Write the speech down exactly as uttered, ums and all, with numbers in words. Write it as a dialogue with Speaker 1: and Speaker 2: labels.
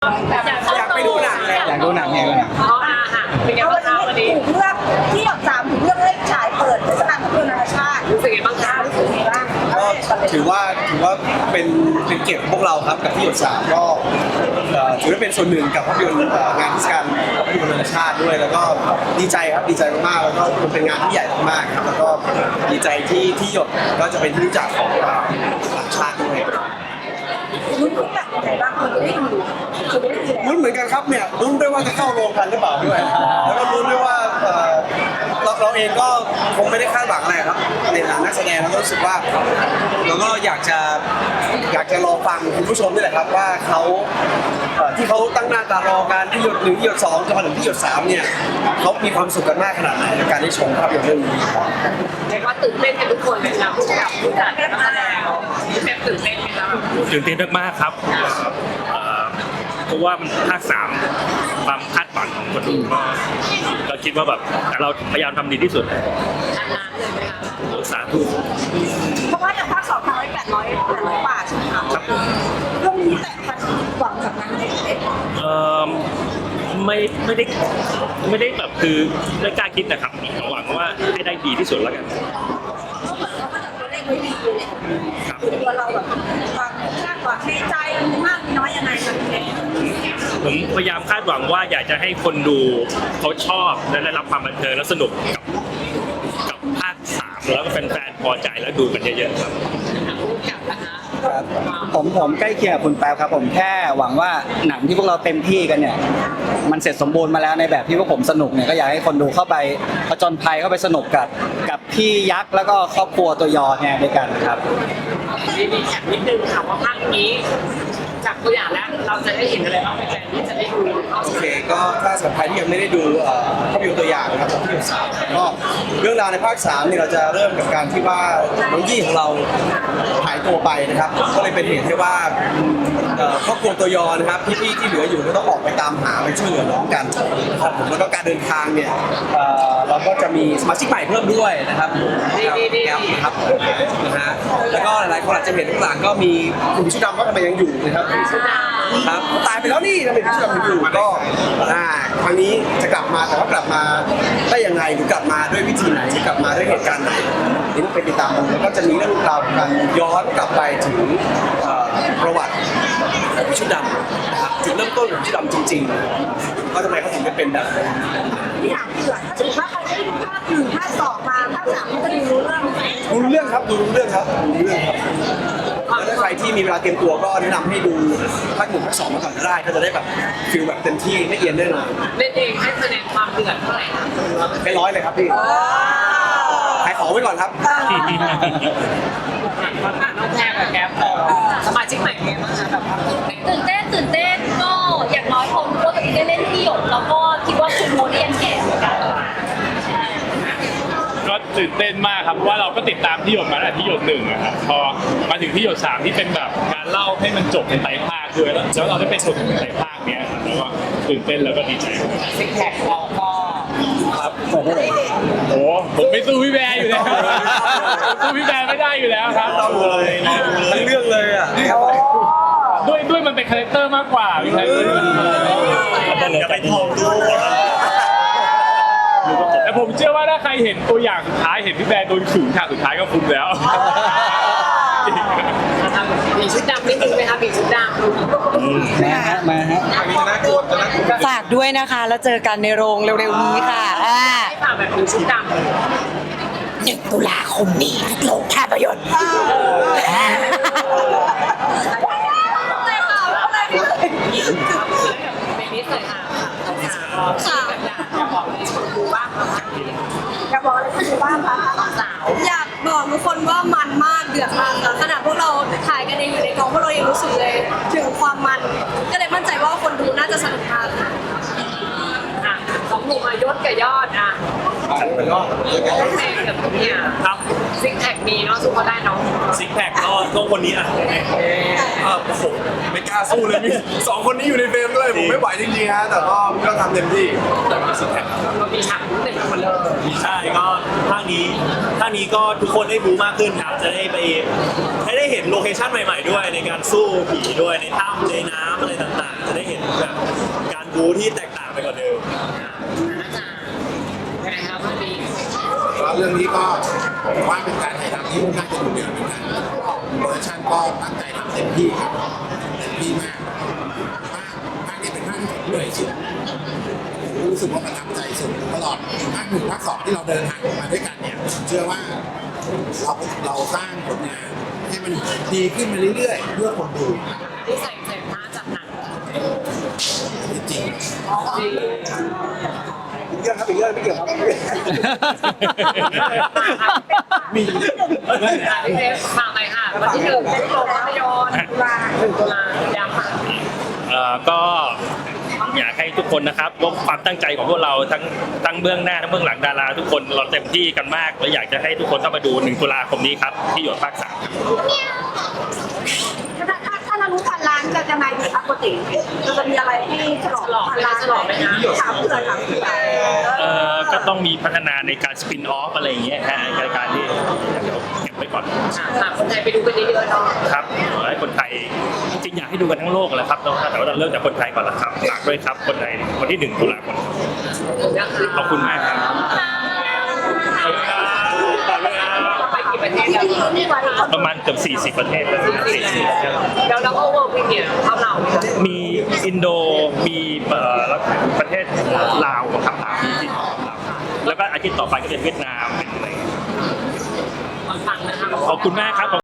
Speaker 1: อยากไปดูหนังเลย
Speaker 2: อยากดูหนังไงดูหนัง
Speaker 3: อ๋อค่ะเป็นไงบ้างคะวันนี้
Speaker 4: ถูกเลือกที่หยดสามถูกเลือกให้ฉายเปิดเทศกาลภาพยนตร์นานาชาติ
Speaker 3: รู้สึกไงบ้างคะ
Speaker 4: รู้สึกไงบ้าง
Speaker 1: ก็ถือว่าถือว่าเป็นเป็นเกียรติของพวกเราครับกับที่หยดสามก็เอ่อถือว่าเป็นส่วนหนึ่งกับภาพยนตร์เอ่องานเทศกาลภาพยนตร์นานาชาติด้วย แล้วก็ดีใจครับดีใจมากๆแล้วก็มันเป็นงานที่ใหญ่มากๆครับแล้วก็ดีใจที่ที่หยดก็จะเป็นที่รู้จักของต่างชาติด้วย
Speaker 4: ลุ้นทุกแบบยังไงบ้างคนจะได้ดูจะได้ดูแล้ว
Speaker 1: ลุ้นเหมือนกันครับเนี่ยลุ้นด้วยว่าจะเข้าโรงกันหรือเปล่าด้วยแล้วก็ลุ้นด้วยว่าเอ่อเราเราเองก็คงไม่ได้คาดหวังอะไรครับในฐานะนักแสดงเราก็รู้สึกว่าเราก็อยากจะอยากจะรอฟังคุณผู้ชมนี่แหละครับว่าเขาเอ่อที่เขาตั้งหน้าตารอการที่หยดหนึ่งที่หยดสองจนมาถึงที่หยดสามเนี่ยเขามีความสุขกันมากขนาดไหนกับการได้ชมภาพยนตร์เรื่องนี้ครับ
Speaker 3: เรียกว่าตื่นเต้นกันทุกคนเลยนะผู้กับผู้จัดนักแสดงพี่แป๊บตื่นเต้นไหมคะ
Speaker 5: ตื่นเต้นมากๆครับเอ่อเพราะว่ามันภาคสามความคาดหวังของคนดูก็ก็คิดว่าแบบเราพยายามทำดีที่สุด
Speaker 3: อันนั้นเลยไหมคะ
Speaker 5: สาธุ
Speaker 4: เพราะว่าอย่างภาคสองทำไว้แปดร้อยแปดร้อยบาทใช่ไหมคะ
Speaker 5: ครับผม
Speaker 4: เรื่องนี้แต่พันหวังกับงานเด็ก
Speaker 5: เอ่อไม่ไม่ได้ไม่ได้แบบคือไม่กล้าคิดนะครับหวังว่าให้ได้ดีที่สุดแล้วกัน
Speaker 4: เขาเหมือนเขาก็จะตัวเลขไว้ดีเลยตัวเราแบบความคาดหวังในใจมีมากมีน้อยยังไงคะพี่เล็ก
Speaker 5: ผมพยายามคาดหวังว่าอยากจะให้คนดูเขาชอบและได้รับความบันเทิงและสนุกกับกับภาคสามแล้วก็แฟนๆพอใจแล้วดูกันเยอะๆครับ
Speaker 3: ผู้กับนะคะ
Speaker 2: ครับผมผมใกล้เคียงกับคุณแป๊บครับผมแค่หวังว่าหนังที่พวกเราเต็มที่กันเนี่ยมันเสร็จสมบูรณ์มาแล้วในแบบที่พวกผมสนุกเนี่ยก็อยากให้คนดูเข้าไปผจญภัยเข้าไปสนุกกับกับพี่ยักษ์แล้วก็ครอบครัวตัวยอเนี่ยด้วยกันครับ
Speaker 3: มีมีแอบนิดนึงค่ะว่าภาคนี้จากตัวอย่างแล้วเราจะได้เห็นอะไรบ้างแฟนๆที่จะได้ดูเขา
Speaker 1: โอเคก็ถ้าสำหรับใครที่ยังไม่ได้ดูเอ่อภาพยนตร์ตัวอย่างนะครับของที่หยดสามก็เรื่องราวในภาคสามเนี่ยเราจะเริ่มกับการที่ว่าน้องยี่ของเราหายตัวไปนะครับก็เลยเป็นเหตุให้ว่าเอ่อครอบครัวตัวยอนะครับพี่ๆที่เหลืออยู่ก็ต้องออกไปตามหาไปช่วยเหลือน้องกันนะครับผมแล้วก็การเดินทางเนี่ยเอ่อเราก็จะมีสมาชิกใหม่เพิ่มด้วยนะครับแอปครับนะฮะแล้วก็หลายๆคนอาจจะเห็นข้างหลังก็มีคุณพิชุดำก็ทำไมยังอยู่นะครับครับตายไปแล้วนี่ทำไมพิชุดำยังอยู่ก็อ่าครั้งนี้จะกลับมาแต่ว่ากลับมาได้ยังไงหรือกลับมาด้วยวิธีไหนหรือกลับมาด้วยเหตุการณ์ไหนนี่ต้องไปติดตามดูแล้วก็จะมีเรื่องราวการย้อนกลับไปถึงเอ่อประวัติของพิชุดำนะครับจุดเริ่มต้นของพิชุดำจริงๆว่าทำไมเขาถึงได้เป็นแบบนั้น
Speaker 4: ที่ถามเผื่อถ้าสมมติว่าใครได้ดูภาคหนึ่งภาคสองมาภาคสามก็จะดูรู้เรื่อง
Speaker 1: ดูรู้เรื่องครับดูรู้เรื่องครับดูรู้เรื่องครับแล้วถ้าใครที่มีเวลาเตรียมตัวก็แนะนำให้ดูภาคหนึ่งภาคสองมาก่อนก็ได้ก็จะได้แบบฟิลแบบเต็มที่ไม่เอียนแน่นอน
Speaker 3: เล่นเองให้คะแนนความเดือดเท่าไหร่คะ
Speaker 1: ไม่ร้อยเลยครับพี่ขายของไว้ก่อนครับ
Speaker 3: น้องแพรกับแก๊ปสมาชิกใหม่เป็นไงบ้างคะแบบความตื่นเต้น
Speaker 6: ตื่นเต้นตื่นเต้นก็อย่างน้อยผมรู้ว่าตัวเองได้เล่นที่หยดแล้วก็คิดว่าคุณโมเดียนแก่เหมือนกัน
Speaker 7: ก็ตื่นเต้นมากครับเพราะว่าเราก็ติดตามที่หยดมาตั้งแต่ที่หยดหนึ่งอะครับพอมาถึงที่หยดสามที่เป็นแบบการเล่าให้มันจบในไตรภาคด้วยแล้วแล้วเราได้เป็นส่วนหนึ่งในไตรภาคเนี้ยครับแล้วก็ตื่นเต้นแล้วก็ดีใจ
Speaker 3: ซิกแพคเราก็
Speaker 7: ครับโอ้ผมไม่สู้พี่แบร์อยู่แล้วสู้พี่แบร์ไม่ได้อยู่แล้วครับ
Speaker 1: ต้องเลยทั้งเรื่องเลยอ่ะ
Speaker 7: ด้วยด้วยมันเป็นคาแรคเตอร์มากกว่าพี่แบร์อย่าไปทองดูแต่ผมเชื่อว่าถ้าใครเห็นตัวอย่างสุดท้ายเห็นพี่แบร์โดนขึงฉากสุดท้ายก็คุ้มแล้ว
Speaker 3: มีชุดดำนิดนึงไหมคะมีชุดดำ
Speaker 2: มาฮะมาฮะ
Speaker 1: อันนี้จะน่ากลัวจะน่ากลัว
Speaker 8: ฝากด้วยนะคะ แล้วเจอกันในโรงเร็วๆนี้ค่ะอ่า
Speaker 3: ให้ฝากแบบมีชุดดำ
Speaker 8: หนึ่งตุลาคมนี้โรงภาพยนตร์
Speaker 3: เป็นนิสัยค่ะค่ะอยากบอกเลยคนดูบ้างค่ะ
Speaker 4: อยากบอกอะไรคุณดูบ้างคะ
Speaker 3: สาว
Speaker 9: อยากบอกทุกคนว่ามันมากเดือดมากค่ะขนาดพวกเราถ่ายกันเองอยู่ในกองพวกเรายังรู้สึกเลยถึงความมัน ก็เลยมั่นใจว่าคนดูน่าจะสนุกมากค่ะ
Speaker 3: อ่ะสองหนุ่มอายศกับยอดอ่ะ
Speaker 1: แล้วก็เจอกัน
Speaker 3: แม่กับเนี่ย
Speaker 5: ครับ
Speaker 3: ซิกแพคมีเนาะสู้เขาได้เนาะ
Speaker 5: ซิกแพคก็ก็คนนี้อ่ะเออโอ้โหไม่กล้าสู้เลยมีสองคนนี้อยู่ในเฟรมด้วยผมไม่ไหวจริงๆฮะแต่ก็ก็ทำเต็มที่แต่มีซิกแพค
Speaker 3: เรามีฉากหนึ่งคนเลย
Speaker 5: ใช่ก็ภาคนี้ภาคนี้ก็ทุกคนได้บูมากขึ้นครับจะได้ไปให้ได้เห็นโลเคชั่นใหม่ๆด้วยในการสู้ผีด้วยในถ้ำในน้ำอะไรต่างๆ จะได้เห็นแบบการบูที่แตกต่างไปกว่าเดิม
Speaker 3: น่าจะยังไงครับพี่ปี
Speaker 10: แล้วเรื่องนี้ก็ผมว่าเป็นการถ่ายทำที่ค่อนข้างจะดุเดือดเหมือนกันโปรดักชั่นก็ตั้งใจทำเต็มที่ครับเต็มที่มากภาคภาคนี้เป็นภาคที่ผมเหนื่อยสุดรู้สึกว่าประทับใจสุดตลอดภาคหนึ่งภาคสองที่เราเดินทางมาด้วยกันเนี่ยเชื่อว่าเราเราสร้างผลงานให้มันดีขึ้นมาเรื่อยๆเพื่อคนดู
Speaker 3: ที่ใส่ใส่ผ้าจากหนัง
Speaker 10: จริง
Speaker 3: จริง
Speaker 1: เรื่องครับอีกเรื่องไม่เกี่ยวครับ
Speaker 3: มี พี่เซฟฝากไปค่ะวันที่หนึ่งเป็นโรงภาพยนตร์ตุลาหนึ่งตุลาย้ำค่ะ
Speaker 5: เอ่อก็อยากให้ทุกคนนะครับว่าความตั้งใจของพวกเราทั้งทั้งเบื้องหน้าทั้งเบื้องหลังดาราทุกคนเราเต็มที่กันมากและอยากจะให้ทุกคนเข้ามาดูหนึ่งตุลาคมนี้ครับที่หยดภาคสามครับ
Speaker 4: ถ้าถ้าถ้าเรารู้พันล้านจะยังไงดีครับปกติเราจะมีอะไรที่ฉลองพันล้านถามเพื่อนถามเพื่อน
Speaker 5: เอ่อก็ต้องมีพัฒนาในการสปินออฟอะไรอย่างเงี้ยฮะในการที่เดี๋ยวเก็บไว้ก่อน
Speaker 3: ค่ะคนไทยไปดูกันเยอะๆเนาะ
Speaker 5: ครับขอให้คนไทยจริงๆอยากให้ดูกันทั้งโลกแหละครับแต่ว่าเราเริ่มจากคนไทยก่อนละครับฝากด้วยครับคนไทยวันที่หนึ่งตุลาคมขอบคุณมากครับขอบคุณครับฝากด้วยครับ
Speaker 3: ไปกี่ประเทศแล้ว
Speaker 5: ประมาณเกือบสี่สิบประเทศแล้วสี่สิบ
Speaker 3: แล้วเราก็เวิร์กวิเนียเท่าเราไหมคะ
Speaker 5: มีอินโด มีเอ่อประเทศลาวครับลาวที่ลาวแล้วก็อาทิตย์ต่อไปก็เป็นเวียดนามเป็นอะไร
Speaker 3: ฟังนะคะ
Speaker 5: ขอบคุณมากครับ